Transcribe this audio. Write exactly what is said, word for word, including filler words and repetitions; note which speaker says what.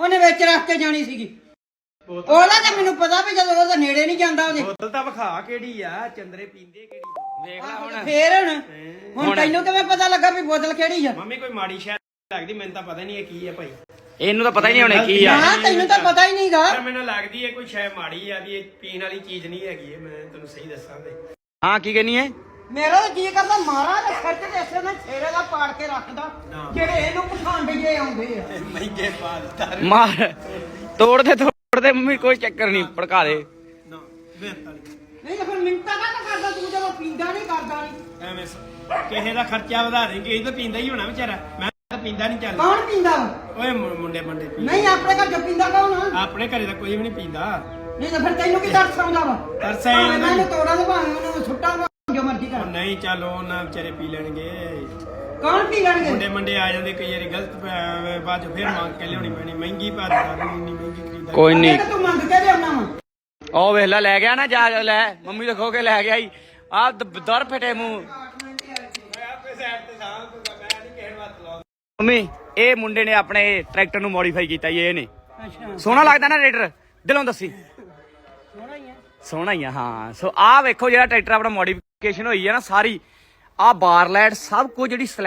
Speaker 1: ਉਹਨੇ ਵਿੱਚ ਰੱਖ ਕੇ ਜਾਣੀ ਸੀਗੀ। ਉਹਦਾ ਤਾਂ ਮੈਨੂੰ ਪਤਾ ਵੀ ਜਦੋਂ ਉਹਦਾ ਨੇੜੇ ਨਹੀਂ ਜਾਂਦਾ ਉਹਦੇ।
Speaker 2: ਬੋਤਲ ਤਾਂ ਵਿਖਾ ਕਿਹੜੀ ਆ, ਚੰਦਰੇ ਪੀਂਦੇ ਕਿਹੜੀ।
Speaker 3: ਦੇਖ ਲੈ ਹੁਣ
Speaker 1: ਫੇਰ ਹੁਣ ਹੁਣ ਤੈਨੂੰ ਕਿਵੇਂ ਪਤਾ ਲੱਗਾ ਵੀ ਬੋਤਲ ਕਿਹੜੀ ਆ?
Speaker 2: ਮੰਮੀ ਕੋਈ ਮਾੜੀ ਸ਼ਾਇਦ ਲੱਗਦੀ, ਮੈਨੂੰ ਤਾਂ ਪਤਾ ਨਹੀਂ ਇਹ ਕੀ ਆ ਭਾਈ।
Speaker 3: ਇਹਨੂੰ ਤਾਂ ਪਤਾ ਹੀ ਨਹੀਂ ਹੋਣੇ ਕੀ ਆ।
Speaker 1: ਹਾਂ ਤੈਨੂੰ ਤਾਂ ਪਤਾ ਹੀ ਨਹੀਂਗਾ।
Speaker 2: ਪਰ ਮੈਨੂੰ ਲੱਗਦੀ ਹੈ ਕੋਈ ਸ਼ਾਇਦ ਮਾੜੀ ਆ ਵੀ ਇਹ ਪੀਣ ਵਾਲੀ ਚੀਜ਼ ਨਹੀਂ ਹੈਗੀ ਇਹ, ਮੈਂ ਤੈਨੂੰ ਸਹੀ ਦੱਸਾਂ ਤੇ।
Speaker 3: ਹਾਂ ਕੀ ਕਹਿੰਨੀ ਹੈ?
Speaker 1: ਮੇਰਾ ਤਾਂ ਕੀ ਕਰਦਾ ਮਾਰਾ ਤੇ ਖਰਚ ਤੇ ਇਸੇ ਨਾਲ ਛੇਰੇ ਦਾ ਪਾੜ ਕੇ ਰੱਖਦਾ ਜਿਹੜੇ ਇਹਨੂੰ ਪਸੰਦ ਜੇ ਆਉਂਦੇ ਆ।
Speaker 2: ਮਹਿੰਗੇ ਪਾਲਦਾਰ
Speaker 3: ਮਾਰ ਤੋੜ ਦੇ ਤੋੜ ਦੇ ਮੰਮੀ, ਕੋਈ ਚੱਕਰ ਨਹੀਂ, ਭੜਕਾ ਦੇ।
Speaker 2: ਨਾ ਵੇਖ
Speaker 1: ਨਹੀਂ ਤਾਂ ਫਿਰ ਮਿੰਟਾਂ ਨਾ ਕਰਦਾ ਤੂੰ, ਜਦੋਂ ਪੀਂਦਾ ਨਹੀਂ ਕਰਦਾ ਨਹੀਂ
Speaker 2: ਐਵੇਂ ਕਿਸੇ ਦਾ ਖਰਚਾ ਵਧਾ ਦੇ, ਕਿਸੇ ਤਾਂ ਪੀਂਦਾ ਹੀ ਹੋਣਾ ਵਿਚਾਰਾ। ਮੈਂ ਤਾਂ ਪੀਂਦਾ ਨਹੀਂ ਚੱਲ।
Speaker 1: ਕੌਣ ਪੀਂਦਾ?
Speaker 2: ਓਏ ਮੁੰ- ਮੁੰਡੇ ਮੁੰਡੇ ਪੀਂਦੇ।
Speaker 1: ਨਹੀਂ ਆਪਣੇ ਘਰ ਚ ਪੀਂਦਾ ਕੌਣ ਆ?
Speaker 2: ਆਪਣੇ ਘਰੇ ਤਾਂ ਕੋਈ ਵੀ ਨਹੀਂ ਪੀਂਦਾ।
Speaker 1: ਨਹੀਂ ਤਾਂ ਫਿਰ ਤੈਨੂੰ ਕੀ ਤਰਸ ਆਉਂਦਾ ਵਾ?
Speaker 2: ਤਰਸ ਆਇਆ
Speaker 1: ਭਾਵੇਂ
Speaker 2: ਨਾ।
Speaker 1: ਮੈਨੂੰ ਤੋੜਾਂ ਦੇ ਭਾਵੇਂ ਉਹਨੂੰ ਸੁੱਟਾਂ ਦੇ, ਜੋ ਮਰਜ਼ੀ
Speaker 2: ਉਹ
Speaker 1: ਕਰ।
Speaker 2: ਨਹੀਂ ਚੱਲ ਉਹ ਨਾ ਵਿਚਾਰੇ ਪੀ ਲੈਣਗੇ।
Speaker 1: ਕੌਣ ਪੀ ਲੈਣਗੇ?
Speaker 2: ਮੁੰਡੇ ਮੰਡੇ ਆ ਜਾਂਦੇ ਕਈ ਵਾਰੀ ਗਲਤ ਪੈ- ਬਾਅਦ ਚ ਫਿਰ ਮੰਗ ਕੇ ਲਿਆਉਣੀ ਪੈਣੀ ਮਹਿੰਗੀ ਭਾਰੀ ਇੰਨੀ ਮਹਿੰਗੀ ਖਰੀਦਾ।
Speaker 3: ਕੋਈ ਨਹੀਂ,
Speaker 1: ਅੱਗੇ ਤਾਂ ਤੂੰ ਮੰਗ ਕੇ ਲਿਆਉਣਾ ਵਾ।
Speaker 3: ਉਹ ਵੇਖ ਲੈ, ਲੈ ਗਿਆ ਨਾ ਜਾ ਲੈ, ਮੰਮੀ ਤਾਂ ਖੋ ਕੇ ਲੈ ਗਿਆ ਹੀ ਆ ਦਰ ਫਟੇ ਮੂੰਹ। ਮੰਮੀ ਇਹ ਮੁੰਡੇ ਨੇ ਆਪਣੇ ਟਰੈਕਟਰ ਨੂੰ ਮੋਡੀਫਾਈ ਕੀਤਾ ਜੀ ਇਹਨੇ।
Speaker 1: ਅੱਛਾ
Speaker 3: ਸੋਹਣਾ ਲੱਗਦਾ ਨਾ ਟਰੈਕਟਰ? ਦਿਲੋਂ ਦੱਸੀ।
Speaker 1: ਸੋਹਣਾ ਹੀ ਆ।
Speaker 3: ਸੋਹਣਾ ਹੀ ਆ ਹਾਂ। ਸੋ ਆਹ ਵੇਖੋ ਜਿਹੜਾ ਟਰੈਕਟਰ ਆਪਣਾ ਮੋਡੀਫਿਕੇਸ਼ਨ ਹੋਈ ਹੈ ਨਾ ਸਾਰੀ, ਆਹ ਬਾਰ ਲਾਈਟ ਸਭ ਕੁਝ ਜਿਹੜੀ